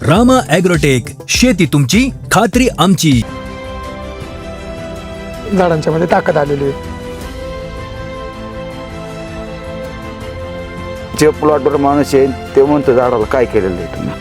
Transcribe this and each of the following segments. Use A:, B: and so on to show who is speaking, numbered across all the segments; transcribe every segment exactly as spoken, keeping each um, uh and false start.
A: Rama agrotech, शेती तुमची खात्री आमची.
B: झाडांच्या मध्ये ताकद आलेली आहे.
C: जे प्लॉटवर माणूस येईल ते म्हणतो झाडाला काय केलेलं आहे तुम्ही.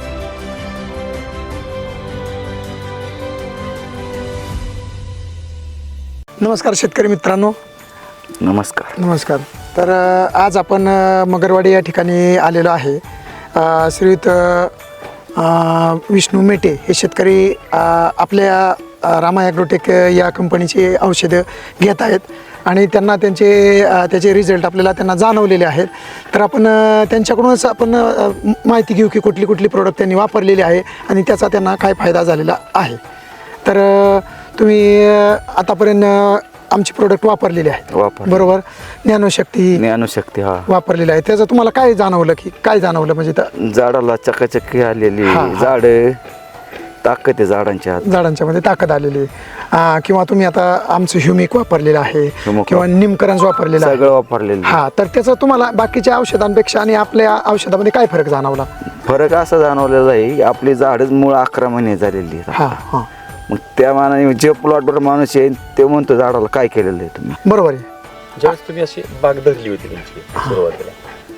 B: नमस्कार शेतकरी मित्रांनो.
C: नमस्कार.
B: नमस्कार. तर अ, आज आपण अ, मगरवाडी या ठिकाणी आलेलो आहे. अ, श्रीयुत अ, विष्णू मेटे हे शेतकरी अ, आपल्या अ, रामा ॲग्रोटेक या कंपनीची औषधं घेत आहेत आणि त्यांना त्यांचे अ, त्याचे रिझल्ट आपल्याला त्यांना जाणवलेले आहेत. तर आपण अ, त्यांच्याकडूनच आपण अ, माहिती घेऊ की कुठली कुठली प्रोडक्ट त्यांनी वापरलेली आहे आणि त्याचा त्यांना काय फायदा झालेला आहे. तर अ, तुम्ही अ, आतापर्यंत अ, आमची प्रोडक्ट वापरलेली आहेत
C: वापर
B: बरोबर. ज्ञानशक्ती
C: ज्ञानशक्ती हा
B: वापरलेली आहे. त्याचं तुम्हाला काय जाणवलं की काय जाणवलं म्हणजे त्या
C: झाडाला चकाचक्की आलेली
B: हा, हा.
C: झाड ताकद आहे झाडांच्या आत.
B: झाडांच्या मध्ये ताकद आलेली आहे. आ, किंवा तुम्ही आता आमचं ह्युमिक वापरलेलं आहे
C: ह्युमिक
B: किंवा निमकरंज वापरलेलं आहे.
C: सगळं वापरलेलं आहे.
B: हा, तर त्याचा तुम्हाला बाकीच्या औषधांपेक्षा आणि आपल्या औषधामध्ये काय फरक जाणवला?
C: फरक असा जाणवलेला आहे आपली झाडच मूळ अकरा महिने झालेली आहेत.
B: हा हा
C: मग त्या मानाने जे प्लॉटवर माणूस येईल ते म्हणतो झाडाला काय केलेलं आहे तुम्ही.
B: बरोबर आहे.
D: ज्यावेळेस तुम्ही अशी बाग धरली होती तुमची सुरुवातीला,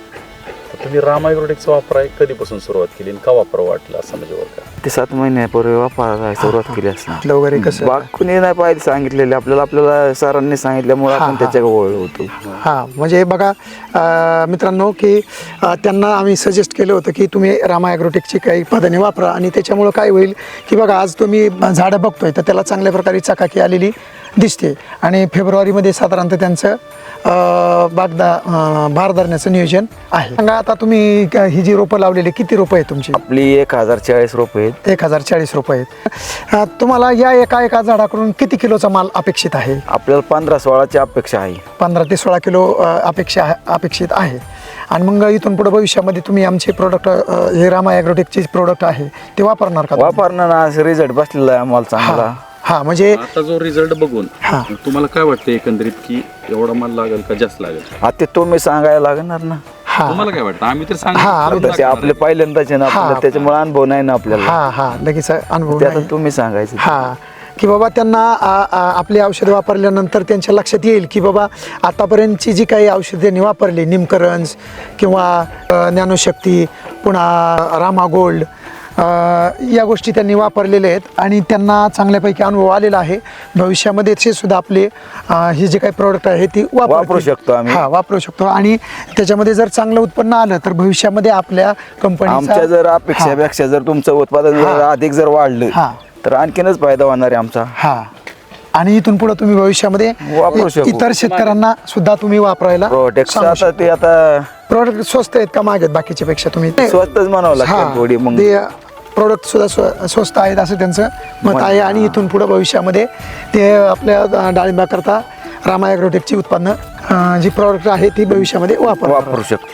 D: तर तुम्ही रामा ॲग्रोटेकचा वापराय कधीपासून सुरुवात केली आणि का वापरावं वाटलं असं म्हणजे बरं का?
C: ते सात महिन्यापूर्वी वापरायला सुरुवात केली असणार.
B: आपलं वगैरे कसं
C: बाग कुणी नाही पाहिजे सांगितलेले आपल्याला आपल्याला सरांनी सांगितल्यामुळे
B: हा,
C: आपण
B: हा.
C: त्याच्याकडे वळलो होतो.
B: हां, म्हणजे बघा अ, मित्रांनो की अ, त्यांना आम्ही सजेस्ट केलं होतं की तुम्ही रामा ॲग्रोटेकची काही उत्पादने वापरा आणि त्याच्यामुळं काय होईल की बघा आज तुम्ही झाडं बघतोय तर त्याला चांगल्या प्रकारे चकाकी आलेली दिसते आणि फेब्रुवारीमध्ये साधारणतः त्यांचं अ, बागदा अ, भार धरण्याचं नियोजन आहे. सांगा आता तुम्ही क- ही जी रोपं लावलेली किती रोपं आहेत तुमची?
C: आपली एक हजार चाळीस रुपये आहेत.
B: एक हजार चाळीस रुपये आहेत. अ, तुम्हाला या एका एका झाडाकडून किती किलोचा माल अपेक्षित आहे?
C: आपल्याला पंधरा सोळाची अपेक्षा आहे.
B: पंधरा ते सोळा किलो अ, अपेक्षा आहे- अपेक्षित आहे. आणि मग इथून पुढे भविष्यामध्ये तुम्ही आमचे प्रोडक्ट हे रामा ॲग्रोटेकचे प्रोडक्ट आहे ते वापरणार का?
C: वापरणार ना रिझल्ट बसलेला आहे आम्हाला चांगला.
B: हा हा, म्हणजे
D: आता जो रिझल्ट बघून
B: हा.
D: तुम्हाला काय वाटतं एकंदरीत की एवढा माल लागेल का जास्त लागेल?
C: आता ते तुम्ही सांगायला लागणार ना.
B: हा
D: तुम्हाला काय वाटतं? आम्ही तर
B: हा, आम्ही
C: आता ते आपले पहिल्यांदाच आहे ना
B: हा.
C: आपल्याला त्याच्यामुळे अनुभव नाही ना आपल्याला.
B: हा हा लगेच अनुभव
C: ते आता
B: नाही.
C: तुम्ही सांगायचं.
B: हा की बाबा त्यांना आ, आ, आपली औषधं वापरल्यानंतर त्यांच्या लक्षात येईल की बाबा आतापर्यंतची जी काही औषधं त्यांनी वापरली निमकरंज किंवा अ, ज्ञानशक्ती पुन्हा रामा गोल्ड अ, या गोष्टी त्यांनी वापरलेल्या आहेत आणि त्यांना चांगल्यापैकी अनुभव आलेला आहे. भविष्यामध्ये ते सुद्धा आपले अ, हे जे काही प्रोडक्ट आहे ती वापरतील.
C: वापरू शकतो आम्ही.
B: हा वापरू शकतो आणि त्याच्यामध्ये जर चांगलं उत्पन्न आलं तर भविष्यामध्ये आपल्या कंपनीचा
C: आमच्या जर अपेक्षापेक्षा जर तुमचं उत्पादन जर अधिक जर वाढलं
B: हा.
C: तर आणखीनच फायदा होणार आहे आमचा.
B: हा आणि इथून पुढे तुम्ही भविष्यामध्ये
C: वापरू
B: इ-
C: शकू.
B: इतर शेतकऱ्यांना सुद्धा तुम्ही वापरायला
C: प्रोडक्ट
B: सांगू
C: आता ते आता
B: प्रोडक्ट स्वस्त आहेत का महाग आहेत बाकीच्या पेक्षा तुम्ही
C: स्वस्तच म्हणावं लागतं थोडी. मग
B: प्रोडक्ट सुद्धा स्व- स्वस्त आहेत असं त्यांचं मत आहे आणि इथून पुढे भविष्यामध्ये ते आपल्या डाळिंबाकरता रामा ॲग्रोटेकची उत्पन्न अं, जी प्रोडक्ट आहे ती भविष्यामध्ये वापर
C: वापरू शकतो.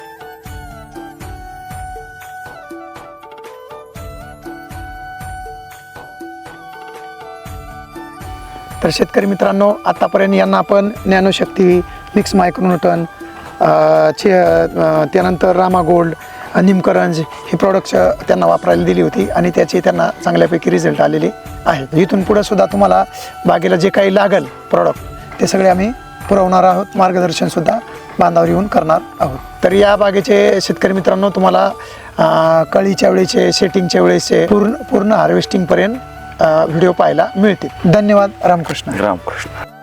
B: तर शेतकरी मित्रांनो आतापर्यंत यांना आपण ज्ञानशक्ती मिक्स मायक्रोन्यूटन अ, चे अ, त्यानंतर रामा गोल्ड अ, निमकरंज ही प्रॉडक्ट्स त्यांना वापरायला दिली होती आणि त्याचे त्यांना चांगल्यापैकी रिझल्ट आलेले आहेत. इथून पुढे सुद्धा तुम्हाला बागेला जे काही लागेल प्रॉडक्ट ते सगळे आम्ही पुरवणार आहोत. मार्गदर्शनसुद्धा बांधावर येऊन करणार आहोत. तर या बागेचे शेतकरी मित्रांनो तुम्हाला अ, कळीच्या वेळेचे सेटिंगच्या वेळेचे पूर्ण पूर्ण हार्वेस्टिंगपर्यंत व्हिडिओ पाहायला मिळतील. धन्यवाद. रामकृष्ण.
C: रामकृष्ण.